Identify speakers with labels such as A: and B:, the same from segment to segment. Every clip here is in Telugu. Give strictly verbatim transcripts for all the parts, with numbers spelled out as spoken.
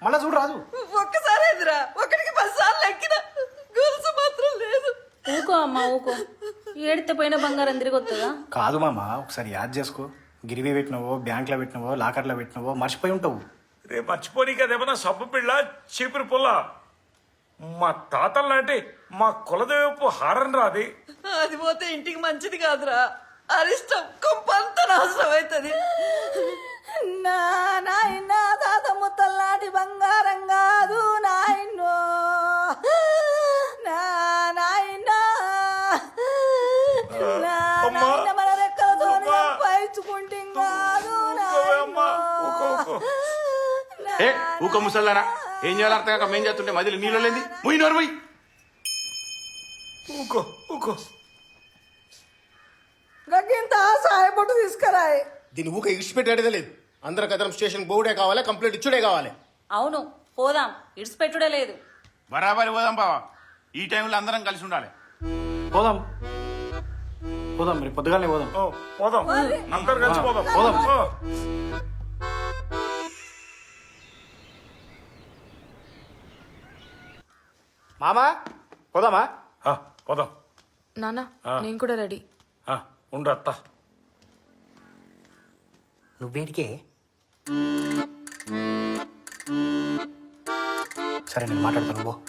A: మళ్ళా చూడు రాదు.
B: ఒక్కసారి ఎదురా ఒకటికి పది సార్లు ఎక్కిన గొలుసు మాత్రం లేదు.
C: ఊకో అమ్మా ఊకో, ఏడితే పోయిన బంగారం తిరిగి వస్తుందా?
A: కాదు మామ, ఒకసారి యాద్ చేసుకో. గిరివి పెట్టినవో, బ్యాంక్లో పెట్టినవో, లాకర్లో పెట్టినవో మర్చిపోయి ఉంటావు.
D: రేపు మర్చిపోనీ కదేమన్నా సబ్బు పిల్ల చీపురు పుల్ల. మా తాతల నాటి మా కులదేవపు హారం రాది.
B: అది పోతే ఇంటికి మంచిది కాదురా, అరిష్టం కొంపంత నాశనం అవుతుంది. నా నాయన తాత ముత్తల్లాంటి బంగారం కాదు నాయనో, నా నాయన నా నాయన మన రెక్కలతో పైచుకుంటే కాదు నాయనో.
E: ఏ ఊక ముసల్లారా, ఏం చేయాలి అర్థం కాక మేం చేస్తుంటే మధ్యలో నీళ్ళు లేని ముయ్యి నోరు పోయి.
D: ఊకో ఊకో
B: గగ్గింత సాయపట్టు తీసుకురాయి.
F: దీని ఊక ఇడిచిపెట్టేదే లేదు. అందరం కదరం స్టేషన్ బోర్డే కావాలి, కంప్లైంట్ ఇచ్చుడే కావాలి.
C: అవును పోదాం, ఇడిచిపెట్టుడే లేదు.
E: బరాబరి పోదాం బావా, ఈ టైంలో అందరం కలిసి ఉండాలి.
A: పోదాం పోదాం, మరి పొద్దుగానే పోదాం.
D: ఓ, పోదాం అందరు కలిసి పోదాం.
A: పోదాం.
D: ఓ.
A: మామా పోదామా?
D: ఆ, పోదాం.
G: నాన్న నేను కూడా రెడీ.
D: ఆ, ఉండు అత్త.
A: నువ్వేడికే? సరే నేను మాట్లాడతాను పో.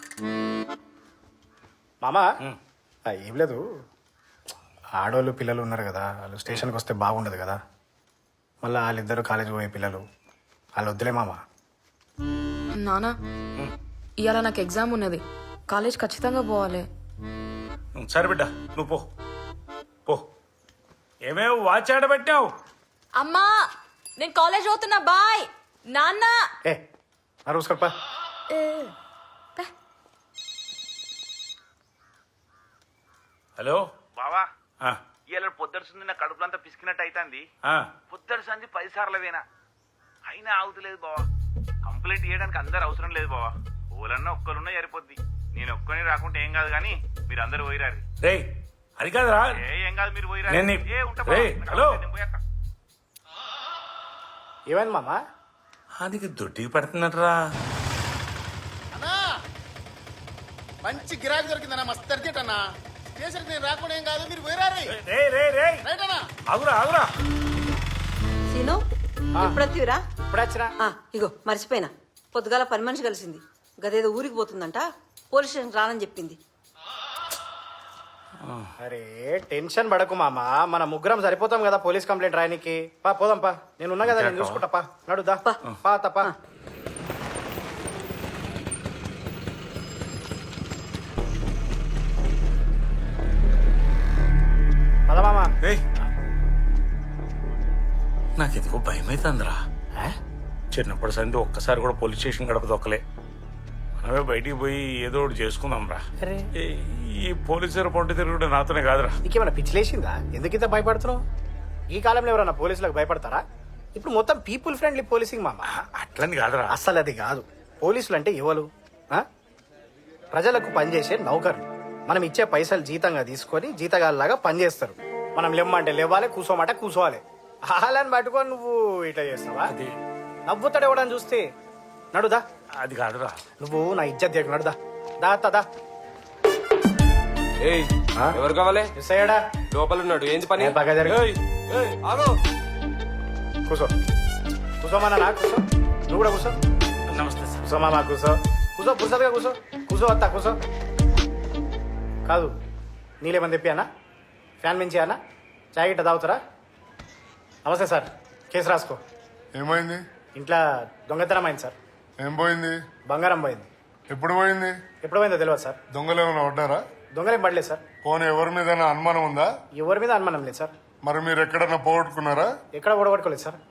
A: మామా ఆ, ఏం లేదు, ఆడవాళ్ళు పిల్లలు ఉన్నారు కదా, వాళ్ళు స్టేషన్కి వస్తే బాగుండదు కదా. మళ్ళీ వాళ్ళిద్దరు కాలేజీ పోయే పిల్లలు, వాళ్ళు వద్దులే మామా.
G: నాన్న ఇవాళ నాకు ఎగ్జామ్ ఉన్నది, కాలేజ్ ఖచ్చితంగా పోవాలి.
D: సరే బిడ్డ నువ్వు పో పో. ఏమేమి వాచ్ ఆడబెట్టావు?
G: అమ్మా నేను కాలేజ్ పోతున్నా, బాయ్. నాన్న
A: ఏ ఆ రోజు కప్ప.
D: హలో
E: బావా
D: ఆ,
E: ఇలా పొద్దుడు సంది నా కడుపులంతా పిసికినట్టు అవుతుంది.
D: ఆ,
E: పొద్దుడు సంది పది సార్లు వేనా అయినా ఆగుతలేదు బావా. కంప్లైంట్ చేయడానికి అందరు అవసరం లేదు బావా, ఓలన్నా ఒక్కరున్నా సరిపోద్ది. నేను ఒక్కని రాకుంటే ఏం కాదు కానీ మీరు అందరు పోయిరారు.
D: రేయ్ అది కాదురా.
E: ఏ ఏం కాదు మీరు పోయిరారు.
D: నేను నీ-
E: ఏ ఉంటా
D: రేయ్,
E: బావా.
D: హలో.
E: నేను పోయాక.
A: ఏమైంది మామా?
D: అది దొడ్డికి పెడుతున్నట్రా.
F: అన్నా మంచి గిరాకీ దొరికిందన్నా, మస్తు అర్జెంట్ అన్నా. స్టేషన్కి నేను రాకుండా ఏం కాదు, మీరు పోయిరారు.
D: రే రే రే
F: రైట్ అన్నా.
D: ఆగురా ఆగురా.
B: సీను ఎప్పుడొత్తివిరా?
A: ఇప్పుడు వచ్చినా?
B: ఆ, ఇగో మర్చిపోయినా, పొద్దుగాల పని మనిషి కలిసింది, గదేదో ఊరికి పోతుందంట, పోలీస్ స్టేషన్ రానని చెప్పింది.
A: అరే టెన్షన్ పడకు మామా, మన ముగ్గురం సరిపోతాం కదా పోలీస్ కంప్లైంట్ రాయనికి. పా పోదాం పా, నేను ఉన్నా కదా, నేను చూసుకుంటా. పా నడుదా
B: పా.
A: పా తప్ప. పద మామా.
D: రేయ్ నాకు ఎందుకో భయం అవుతుందిరా. చిన్నప్పటి సంది ఒక్కసారి కూడా పోలీస్ స్టేషన్ గడప దొక్కలే. మనమే బయటికి పోయి ఏదో ఒకటి చేసుకుందాం రా. ఈ పోలీసుల పొంటి తిరుగుడు నాతోనే కాదురా.
A: నీకేమైనా పిచ్చిలేసిందా? ఎందుకు ఇంత భయపడుతున్నావు? ఈ కాలంలో ఎవరన్నా పోలీసులకు భయపడతారా? ఇప్పుడు మొత్తం పీపుల్ ఫ్రెండ్లీ పోలీసింగ్ మామా.
D: అట్లని కాదురా.
A: అసలు అది కాదు. పోలీసులు అంటే ఎవరు? ఆ? ప్రజలకు పనిచేసే నౌకర్లు. మనం ఇచ్చే పైసలు జీతంగా తీసుకొని జీతగాళ్ళలాగా పనిచేస్తారు. మనం లేమ్మంటే లేవాలి, కూసోమంటే కూసోవాలి. హాలని పట్టుకొని నువ్వు ఇట్లా చేస్తావా?
D: అది
A: నవ్వుతాడు ఎవడని చూస్తే. నడుదా.
D: అది కాదురా.
A: నువ్వు నా ఇజ్జత్ దిగ. నడుదా దా దా.
H: ఏయ్ ఎవరు కావాలి?
A: మిస్ అయ్యాడా?
H: లోపల ఉన్నాడు. ఏంది పని?
A: ఏం బాగా జరిగింది?
H: ఏయ్, ఏయ్, ఆగు.
A: కూసో కూసోమన్నా నా కూసో. నువ్వు కూడా కూసో.
D: నమస్తే సార్.
A: కూసో మామా కూసో. కూసో పురుసగా కూసో. కూసో వస్తా కూసో. కాదు నీళ్ళేమని తెప్పియానా? ఫ్యాన్ మించి అన్నా? చాయ్ గిట్ట తాగుతారా? నమస్తే సార్, కేసు రాసుకో.
I: ఏమైంది?
A: ఇంట్లో దొంగతనం అయింది సార్.
I: ఏం పోయింది?
A: బంగారం పోయింది.
I: ఎప్పుడు పోయింది?
A: ఎప్పుడు పోయిందో తెలియదు సార్.
I: దొంగలు ఏమైనా పడ్డారా?
A: దొంగలేం పడలేదు సార్.
I: పోనీ ఎవరి మీద అనుమానం ఉందా?
A: ఎవరి మీద అనుమానం లేదు సార్.
I: మరి మీరు ఎక్కడన్నా పోగొట్టుకున్నారా?
A: ఎక్కడ ఓడగొట్టుకోలేదు సార్.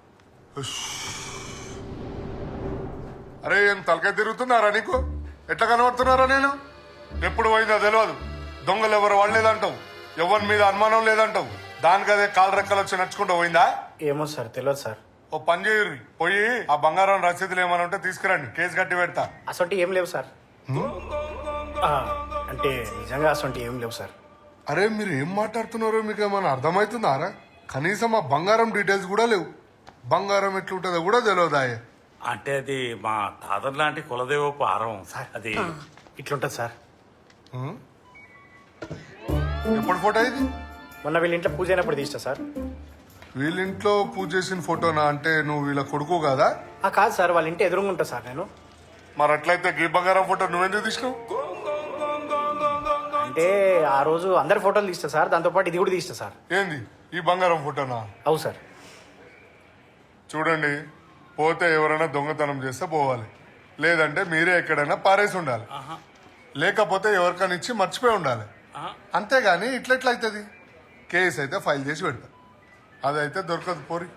I: అరే ఏం తలకాయ తిరుగుతున్నారా నీకు? ఎట్లా కనబడుతున్నారా నేను? ఎప్పుడు పోయిందో తెలియదు. దొంగలు ఎవరు వాళ్ళేదంటావు, ఎవరి మీద అనుమానం లేదంటావు. దానికి అదే కాలు రెక్కలు వచ్చి నడుచుకుంటూ పోయిందా?
A: ఏమో సార్, తెలియదు సార్.
I: ఓ పని చేయరు, పోయి ఆ బంగారం రసీదులు ఏమైనా ఉంటే తీసుకురండి, కేసు కట్టి పెడతా.
A: అసొంటి ఏం లేవు సార్. ఆ, అంటే నిజంగా అసొంటి ఏం లేవు సార్.
I: అరే మీరు ఏం మాట్లాడుతున్నారో మీకు ఏమైనా అర్థమవుతుందారా? కనీసం ఆ బంగారం డీటెయిల్స్ కూడా లేవు. బంగారం ఎట్లుంటుందో కూడా తెలియదాయే.
D: అంటే అది మా తాతర్ లాంటి కులదేవ పారం
A: సార్.
D: అది
A: ఇట్లుంటది సార్.
I: ఎప్పుడు ఫోటో ఇది?
A: మొన్న వీళ్ళ ఇంట్లో పూజ అయినప్పుడు తీస్తా సార్.
I: వీళ్ళింట్లో పూజ చేసిన ఫోటోనా? అంటే నువ్వు వీళ్ళ కొడుకు కదా?
A: ఆ కాదు సార్, వాళ్ళ ఇంటి ఎదురుగా ఉంటా సార్ నేను.
I: మరి అట్లయితే గీ బంగారం ఫోటో నువ్వెందుకు తీసినావు?
A: అంటే ఆ రోజు అందరి ఫోటోలు తీస్తా సార్, దాంతోపాటు ఇది కూడా తీస్తా సార్.
I: ఏంది ఈ బంగారం ఫోటోనా?
A: అవు సార్.
I: చూడండి, పోతే ఎవరైనా దొంగతనం చేస్తే పోవాలి, లేదంటే మీరే ఎక్కడైనా పారేసి ఉండాలి, లేకపోతే ఎవరికైనా ఇచ్చి మర్చిపోయి ఉండాలి. అంతేగాని ఇట్లెట్లా అవుతుంది? కేసు అయితే ఫైల్ చేసి పెడతా, అదైతే దొరకదు పోరి.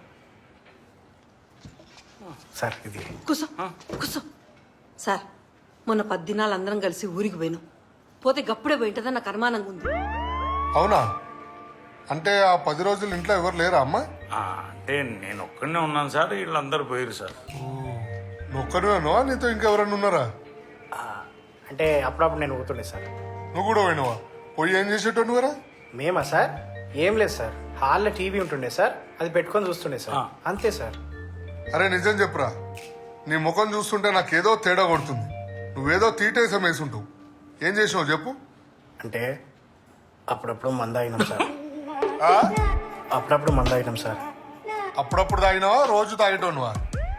A: సార్ ఇది
B: కూసో కూసో. సార్ మొన్న పద్దినాలు అందరం కలిసి ఊరికి పోయినాం. పోతే గప్పుడే పోయింటదని నాకు అనుమానంగా ఉంది.
I: అవునా? అంటే ఆ పది రోజులు ఇంట్లో ఎవరు లేరా అమ్మా?
D: ఆ, అంటే నేను ఒక్కడనే ఉన్నాను సార్, వీళ్ళందరూ పోయారు సార్.
I: నువ్వు ఒక్కరివేనో నీతో ఇంకెవరన్నా ఉన్నారా?
A: ఆ, అంటే అప్పుడప్పుడు నేను పోతుండే సార్.
I: నువ్వు కూడా పోయినవా? పోయి ఏం చేసేటో నువ్వరా?
A: మేమా సార్? ఏం లేదు సార్, హాల్లో టీవీ ఉంటుండే సార్, అది పెట్టుకొని చూస్తుండే సార్, అంతే సార్.
I: అరే నిజం చెప్పురా, నీ ముఖం చూస్తుంటే నాకేదో తేడా కొడుతుంది. నువ్వేదో తీటేసం వేసుంటావు. ఏం చేసినావు చెప్పు?
A: అంటే అప్పుడప్పుడు మంద అయినాం సార్.
I: ఆ?
A: అప్పుడప్పుడు మంద అయినాం సార్.
I: అప్పుడప్పుడు తాగినావా? రోజు తాగేటోనువా?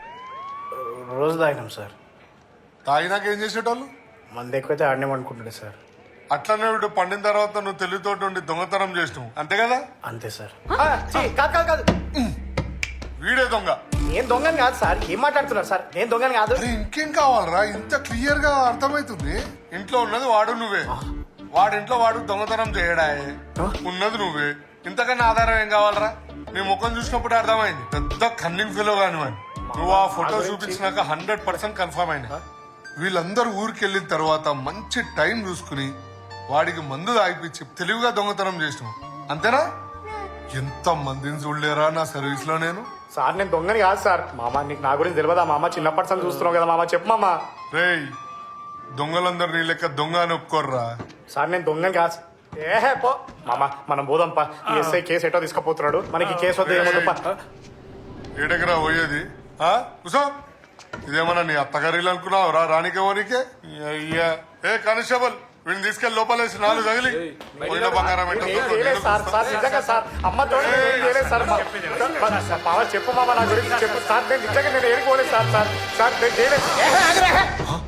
A: రోజు తాగినాం సార్.
I: తాగినాక ఏం చేసేటోళ్ళు?
A: మంద ఎక్కువైతే ఆడనేం అనుకుంటుండే సార్.
I: అట్లనే వీడు పండిన తర్వాత నువ్వు తెలివితోటి ఉండి దొంగతనం చేసినావు, అంతే కదా?
A: అంతే సార్. ఆ, ఛీ, కాదు కాదు కాదు,
I: వీడే దొంగ.
A: నేను దొంగని కాదు సార్. ఏం మాట్లాడుతున్నారు సార్? నేను దొంగని కాదు.
I: అరే ఇంకేం కావాలరా? ఇంత క్లియర్ గా అర్థమైతుంది. ఇంట్లో ఉన్నది వాడు నువ్వే, వాడింట్లో వాడు దొంగతనం చేయడాయే, ఉన్నది నువ్వే. ఇంతకన్నా ఆధారం ఏం కావాలరా? నీ ముఖం చూసినప్పుడు అర్థమైంది పెద్ద కన్నింగ్ ఫీలో కానివ్వండి. నువ్వు ఆ ఫోటో చూపించినాక హండ్రెడ్ పర్సెంట్ కన్ఫర్మ్ అయింది. వీళ్ళందరూ ఊరికి వెళ్ళిన తర్వాత మంచి టైం చూసుకుని వాడికి మందు తాగిపించి తెలివిగా దొంగతనం చేసినావు, అంతేనా? ఎంత మందిని చూడలేరా నా సర్వీస్ లో నేను.
A: సార్ నేను దొంగని కాదు సార్. మామ నీకు నా గురించి తెలియదా మామ? చిన్నప్పటి నుంచి చూస్తున్నావు కదా మామ, చెప్పు మామ.
I: రేయ్, దొంగలందరూ నీ లెక్క దొంగ అని ఒప్పుకోర్రా.
A: సార్ నేను దొంగని కాదు. ఏహే పో మామ, మనం పోదాంపా. ఈ ఎస్ఐ కేసు ఎటో తీసుకుపోతున్నాడు, మనకి కేసు వద్ద ఏమొద్దుపా.
I: ఏడెకరా పోయేది? ఆ కుసో, ఇదేమన్నా నీ అత్తగారిలు అనుకున్నావు రా? రానికే ఓనికే అయ్యా. ఏ కానిస్టేబుల్, వీడిని తీసుకెళ్లి లోపలేసి నాలుగు తగిలి పోయిన బంగారం
A: ఏం చేయలేదు సార్. సార్ నిజంగా సార్, అమ్మ తోడు ఏం చేయలేదు సార్. మా- మా- మామ చెప్పు మామ, నా గురించి చెప్పు సార్. నేను నిజంగా నేను ఏడుకోలేదు సార్. సార్ సార్ నేను చేయలేదు. ఏహే, ఆగు, ఏహే.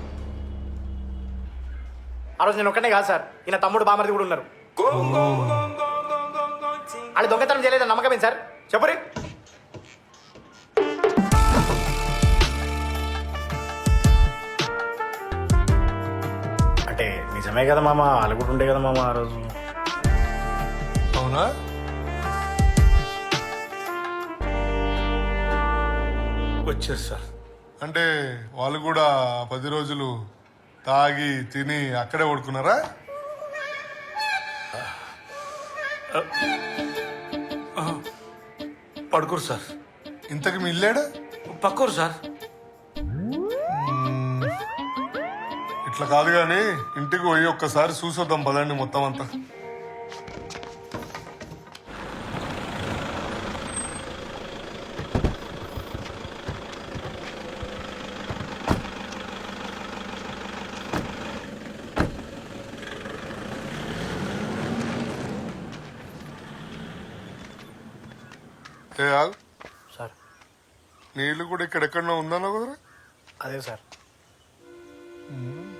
A: ఆ రోజు నేను ఒక్కనే కాదు సార్, ఈయన తమ్ముడు బామర్ది కూడా ఉన్నారు. వాళ్ళు దొంగతనం చేయలేదు నమ్మకమే సార్. చెప్పురి. అంటే నిజమే కదా మామ, వాళ్ళు కూడా ఉండే కదా మామ ఆ రోజు.
I: అవునా?
D: వచ్చారు సార్.
I: అంటే వాళ్ళు కూడా పది రోజులు తాగి తిని అక్కడే పడుకున్నారా?
D: పడుకోరు సార్.
I: ఇంతకు మీ ఇల్లేడా?
D: పక్కరు సార్.
I: ఇట్లా కాదు గాని ఇంటికి పోయి ఒక్కసారి చూసొద్దాం పదండి మొత్తం అంతా. ఏ ఆగు,
A: సార్
I: నీ ఇల్లు కూడా ఇక్కడెక్కడో ఉందన్నా కుదరా?
A: అదే సార్.
I: ఉమ్.